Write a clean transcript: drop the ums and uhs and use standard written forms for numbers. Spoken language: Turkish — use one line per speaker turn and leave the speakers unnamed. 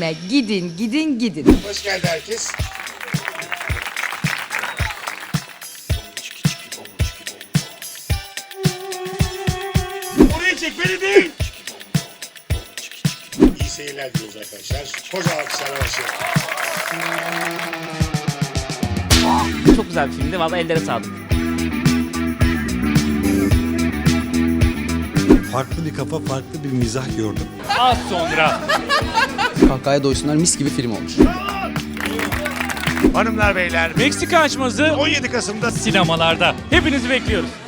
filme gidin, gidin, gidin.
Hoş geldi herkes. Oraya çek, beni değil. İyi seyirler diliyoruz arkadaşlar. Koca alkışlarla başlayalım.
Çok güzel bir filmdi. Vallahi ellere sağlık.
Farklı bir kafa, farklı bir mizah gördüm.
Az sonra.
Kahkahaya doysunlar, mis gibi film olmuş.
Hanımlar beyler,
Meksika açması
17 Kasım'da
sinemalarda. Hepinizi bekliyoruz.